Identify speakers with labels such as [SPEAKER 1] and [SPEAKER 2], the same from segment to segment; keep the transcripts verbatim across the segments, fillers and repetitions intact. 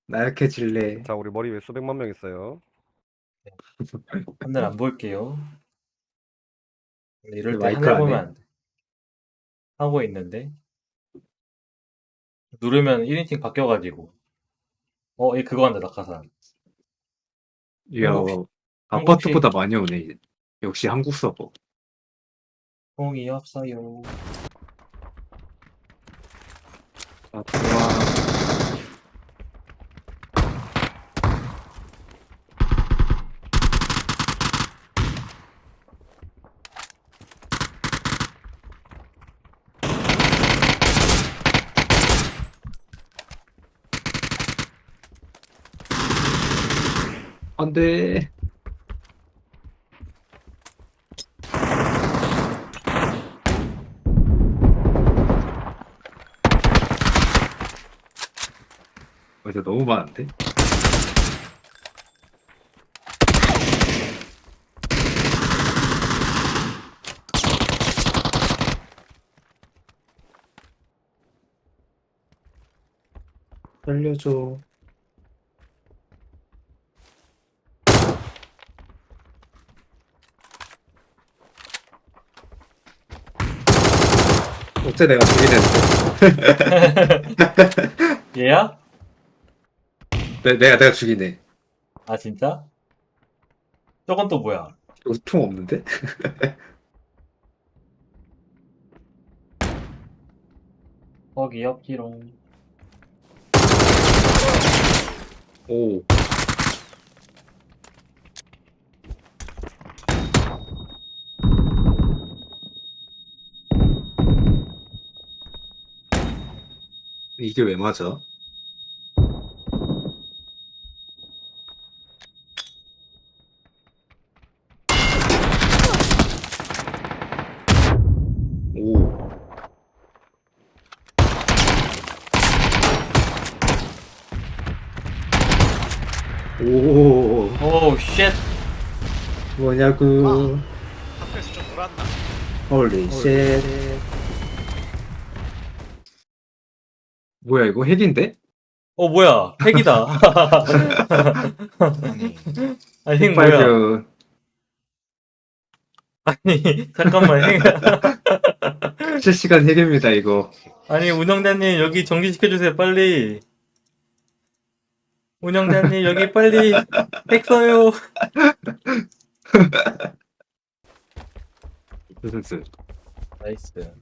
[SPEAKER 1] 나약해질래.
[SPEAKER 2] 자, 우리 머리 위에 수백만 명 있어요.
[SPEAKER 3] 하늘 안 볼게요. 이럴 때
[SPEAKER 1] 마이크
[SPEAKER 3] 하늘
[SPEAKER 1] 안
[SPEAKER 3] 보면
[SPEAKER 1] 해?
[SPEAKER 3] 안 돼. 하고 있는데 누르면 일 인칭 바뀌어가지고 어, 얘 그거 한다 낙하산.
[SPEAKER 1] 이야,
[SPEAKER 3] 한국
[SPEAKER 1] 아파트보다
[SPEAKER 3] 한국식
[SPEAKER 1] 많이 오네. 역시 한국 서버.
[SPEAKER 3] 공이 없어요.
[SPEAKER 1] 아, 좋아. 안 돼. 어, 이제 너무 많은데? 살려줘. 어째 내가 죽이네.
[SPEAKER 3] 얘야?
[SPEAKER 1] 내, 내가, 내가 죽이네.
[SPEAKER 3] 아 진짜? 저건 또 뭐야?
[SPEAKER 1] 이거 총 없는데?
[SPEAKER 3] 거기 없지롱.
[SPEAKER 1] 오. 이게 왜 맞아? 오. 오.
[SPEAKER 3] 오우 쉣.
[SPEAKER 1] 뭐냐고.
[SPEAKER 4] 학교에서 좀 놀았나?
[SPEAKER 1] 홀리 쉣. 뭐야, 이거 핵인데?
[SPEAKER 3] 어 뭐야 핵이다.
[SPEAKER 4] 아니
[SPEAKER 3] 아니 핵 뭐야?
[SPEAKER 1] 발견.
[SPEAKER 3] 아니 잠깐만 핵.
[SPEAKER 1] 실시간 핵입니다, 이거.
[SPEAKER 3] 아니 운영자님 여기 정지시켜주세요 빨리. 운영자님 여기 빨리 핵 써요.
[SPEAKER 1] 무슨
[SPEAKER 3] 나이스.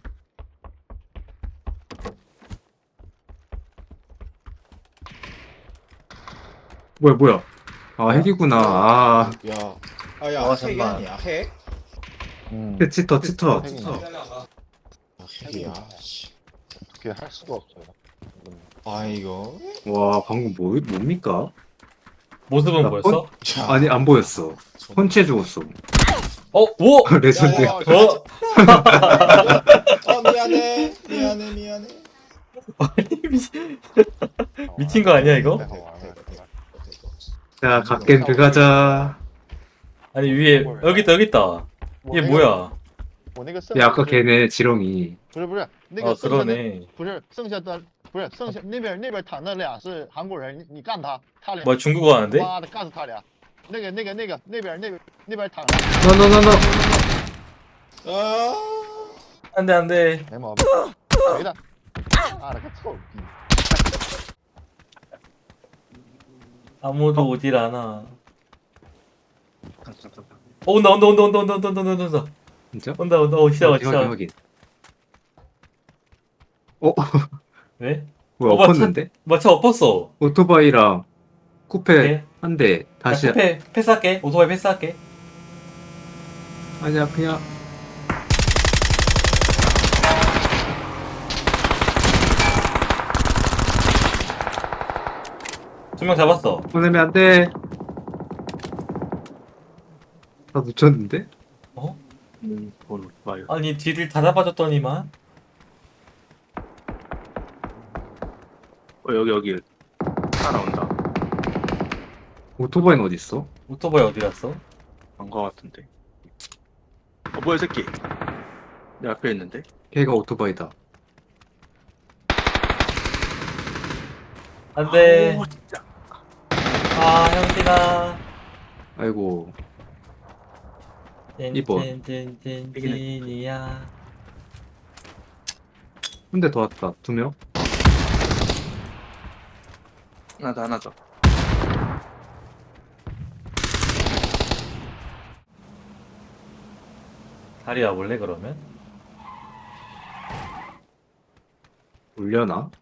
[SPEAKER 1] 뭐야, 뭐야. 아, 핵이구나. 아,
[SPEAKER 4] 야 아야
[SPEAKER 3] 어,
[SPEAKER 4] 핵이
[SPEAKER 3] 잠깐만.
[SPEAKER 4] 아니야 핵?
[SPEAKER 1] 핵 치터, 치터.
[SPEAKER 4] 핵이나 아, 핵이야 씨.
[SPEAKER 5] 어떻게 할 수가 없어요.
[SPEAKER 4] 아 이거
[SPEAKER 1] 와, 방금 뭐, 뭡니까?
[SPEAKER 3] 모습은
[SPEAKER 1] 나
[SPEAKER 3] 뭐였어?
[SPEAKER 4] 자,
[SPEAKER 1] 아니, 안 보였어. 펀치해 죽었어.
[SPEAKER 3] 어? 오!
[SPEAKER 1] 레전드.
[SPEAKER 4] 야, 야,
[SPEAKER 3] 어?
[SPEAKER 4] 어 미안해 미안해 미안해
[SPEAKER 3] 미친 거 아니야, 이거?
[SPEAKER 1] 자, 갓겜 들어가자.
[SPEAKER 3] 아니 위에 여기 있다 여기 있다. 얘 뭐야?
[SPEAKER 1] 야, 아까 걔네 지렁이.
[SPEAKER 5] 不是不是那个
[SPEAKER 3] 어
[SPEAKER 5] 剩下的
[SPEAKER 3] 그러네.
[SPEAKER 5] 不是剩下的不是剩下那边那边躺那俩是韩国人，你你干他，他俩
[SPEAKER 3] 뭐야 중국어 하는데?
[SPEAKER 5] 妈的干死他俩。那个那个那个那边那边那边躺着，
[SPEAKER 1] No, no, no, no.
[SPEAKER 4] 아
[SPEAKER 3] 안돼 안돼.
[SPEAKER 5] 没毛病，谁的？妈了个臭逼！
[SPEAKER 3] 아무도 오질 않아. 어 온다 온다 온다 온다 온다 온다 온다 온다 온다
[SPEAKER 1] 진짜?
[SPEAKER 3] 온다 온다 어 시작
[SPEAKER 1] 확인, 확인,
[SPEAKER 3] 시작.
[SPEAKER 1] 확인. 어?
[SPEAKER 3] 왜?
[SPEAKER 1] 뭐야,
[SPEAKER 3] 어, 맞다.
[SPEAKER 1] 엎었는데?
[SPEAKER 3] 마차 엎었어.
[SPEAKER 1] 오토바이랑 쿠페
[SPEAKER 3] 네.
[SPEAKER 1] 한 대 다시.
[SPEAKER 3] 야, 패 패스할게. 오토바이 패스할게.
[SPEAKER 1] 아니야, 그냥.
[SPEAKER 3] 두 명 잡았어.
[SPEAKER 1] 보내면 안 돼. 다 놓쳤는데?
[SPEAKER 3] 어?
[SPEAKER 1] 음, 뭘 봐요.
[SPEAKER 3] 아니 뒤를 다 잡아줬더니만.
[SPEAKER 1] 어, 여기, 여기. 따라온다. 오토바이는 어딨어?
[SPEAKER 3] 오토바이 어디 갔어?
[SPEAKER 6] 안가 같은데. 어 뭐야 이 새끼. 내 앞에 있는데.
[SPEAKER 1] 걔가 오토바이다.
[SPEAKER 3] 안돼.
[SPEAKER 6] 아우, 진짜.
[SPEAKER 3] 아, 형진아.
[SPEAKER 1] 아이고. 이번.
[SPEAKER 3] 찐찐찐찐찐이야.
[SPEAKER 1] 한 대 더 왔다. 두 명?
[SPEAKER 6] 하나 더, 하나 더.
[SPEAKER 3] 다리 와볼래, 그러면?
[SPEAKER 1] 올려나?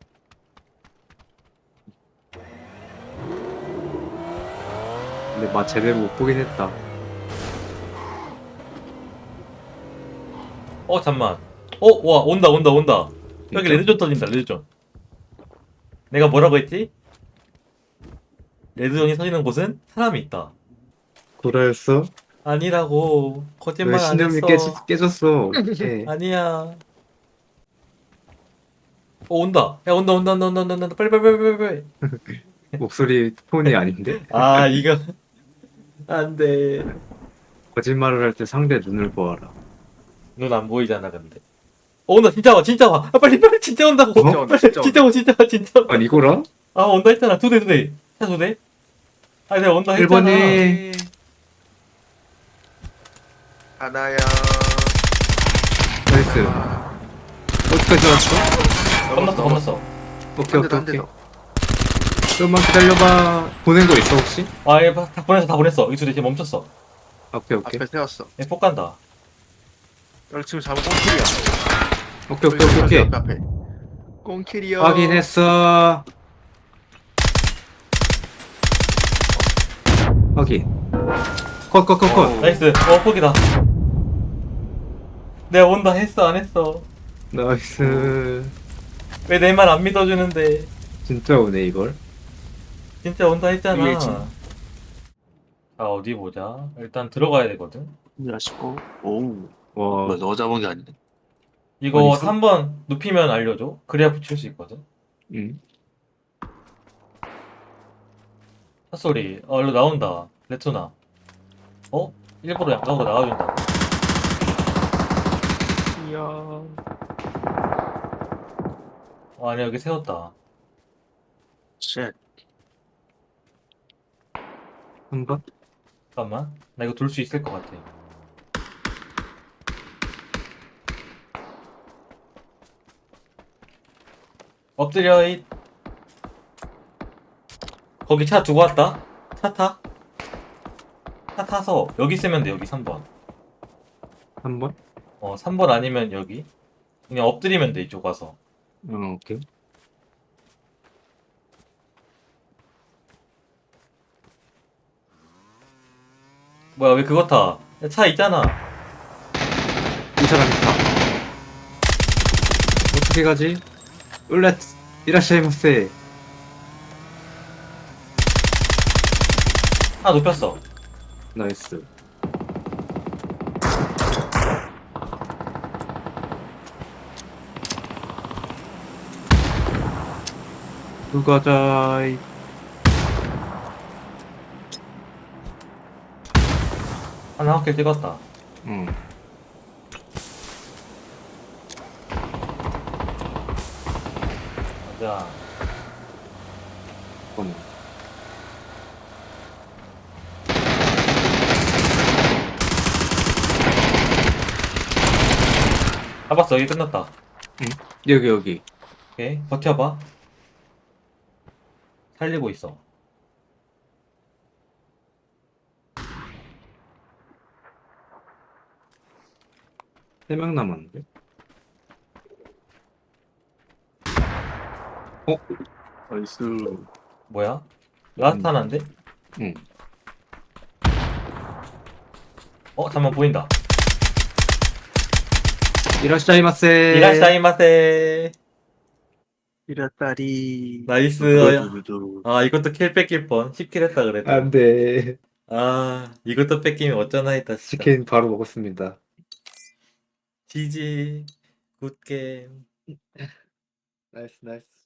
[SPEAKER 1] 근데 맛 제대로 못 보긴 했다.
[SPEAKER 3] 어, 잠만. 어, 와, 온다, 온다, 온다. 여기
[SPEAKER 1] 진짜?
[SPEAKER 3] 레드존 터진다, 레드존. 내가 뭐라고 했지? 레드존이 터지는 곳은 사람이 있다.
[SPEAKER 1] 구라였어?
[SPEAKER 3] 아니라고.
[SPEAKER 1] 왜
[SPEAKER 3] 거짓말 안
[SPEAKER 1] 신념이
[SPEAKER 3] 했어.
[SPEAKER 1] 깨졌, 깨졌어? 예.
[SPEAKER 3] 아니야. 어, 온다. 야, 온다, 온다, 온다, 온다, 온다, 온다. 빨리, 빨리, 빨리, 빨리, 빨리.
[SPEAKER 1] 목소리 톤이 아닌데?
[SPEAKER 3] 아, 이거. 안 돼.
[SPEAKER 1] 거짓말을 할 때 상대 눈을 보아라.
[SPEAKER 3] 눈 안 보이잖아, 근데. 어, 온다, 진짜 와, 진짜 와. 아, 빨리, 빨리, 진짜 온다고.
[SPEAKER 6] 진짜 온다, 진짜
[SPEAKER 3] 진짜 와, 진짜 와, 진짜 와.
[SPEAKER 1] 아니 이거라?
[SPEAKER 3] 아, 온다 했잖아. 두 대, 두 대. 차 두 대? 아, 내가 온다
[SPEAKER 1] 일 번이.
[SPEAKER 3] 했잖아.
[SPEAKER 6] 하나야.
[SPEAKER 1] 나이스. 어디까지 왔어?
[SPEAKER 3] 겁났어, 겁났어.
[SPEAKER 1] 오케이
[SPEAKER 6] 한 대 더,
[SPEAKER 1] 오케이
[SPEAKER 6] 한 대
[SPEAKER 1] 오케이.
[SPEAKER 6] 더.
[SPEAKER 1] 좀만 기다려봐. 보낸 거 있어 혹시?
[SPEAKER 3] 아, 얘 다 보냈어, 다 보냈어. 여기 두 대 지금 멈췄어.
[SPEAKER 1] 오케이 오케이.
[SPEAKER 6] 앞에 세웠어.
[SPEAKER 3] 얘 폭 간다.
[SPEAKER 6] 여기 지금 잡은 꽁킬이야.
[SPEAKER 1] 오케이 오케이 오케이 오케이.
[SPEAKER 6] 앞에, 앞에. 꽁킬이요.
[SPEAKER 1] 확인했어. 확인. 컷컷컷컷.
[SPEAKER 6] 어우.
[SPEAKER 3] 나이스. 어, 폭이다. 내가 온다 했어, 안 했어.
[SPEAKER 1] 나이스.
[SPEAKER 3] 왜 내 말 안 믿어주는데.
[SPEAKER 1] 진짜 오네 이걸.
[SPEAKER 3] 진짜 온다 했잖아.
[SPEAKER 6] 위에 진-
[SPEAKER 3] 자, 어디 보자. 일단 들어가야 되거든.
[SPEAKER 6] 야시고. 오우.
[SPEAKER 1] 와.
[SPEAKER 6] 뭐, 너 잡은 게 아니네.
[SPEAKER 3] 이거
[SPEAKER 1] 어디 있어?
[SPEAKER 3] 삼 번 눕히면 알려줘. 그래야 붙일 수 있거든.
[SPEAKER 1] 응.
[SPEAKER 3] 핫소리. 어, 일로 나온다. 레토나. 어? 일부러 양각으로 나와준다.
[SPEAKER 6] 이야.
[SPEAKER 3] 어, 아니, 여기 세웠다.
[SPEAKER 6] 쉣.
[SPEAKER 1] 한 번.
[SPEAKER 3] 잠깐만. 나 이거 돌 수 있을 것 같아. 엎드려, 이. 거기 차 두고 왔다. 차 타. 차 타서 여기 쓰면 돼, 여기 삼 번.
[SPEAKER 1] 한 번.
[SPEAKER 3] 어, 삼 번 아니면 여기. 그냥 엎드리면 돼, 이쪽 와서.
[SPEAKER 1] 어 오케이.
[SPEAKER 3] 뭐야, 왜 그거 타? 야, 차 있잖아.
[SPEAKER 1] 이 사람이 다. 어떻게 가지? 울라 이라시마세.
[SPEAKER 3] 하나 눕혔어.
[SPEAKER 1] 나이스. 누가자이.
[SPEAKER 3] 하나 확킬 찍었다.
[SPEAKER 1] 응.
[SPEAKER 3] 자,
[SPEAKER 1] 잠깐만.
[SPEAKER 3] 잡았어. 여기 끝났다.
[SPEAKER 1] 여기 여기.
[SPEAKER 3] 오케이, 버텨봐. 살리고 있어.
[SPEAKER 1] 세 명 남았는데.
[SPEAKER 6] 나이스.
[SPEAKER 3] 뭐야? 라스트 하나인데?
[SPEAKER 1] 응.
[SPEAKER 3] 어, 잠만 보인다.
[SPEAKER 1] 이라시마세.
[SPEAKER 3] 이라시다이마세.
[SPEAKER 6] 이랬다리.
[SPEAKER 3] 나이스.
[SPEAKER 6] 두두두두.
[SPEAKER 3] 아, 이것도 킬 뺏길 뻔. 십 킬 했다 그랬다.
[SPEAKER 1] 안돼.
[SPEAKER 3] 아, 이것도 뺏기면 어쩌나 했다, 진짜.
[SPEAKER 1] 치킨 바로 먹었습니다.
[SPEAKER 3] 지지. 굿게임.
[SPEAKER 1] 나이스 나이스.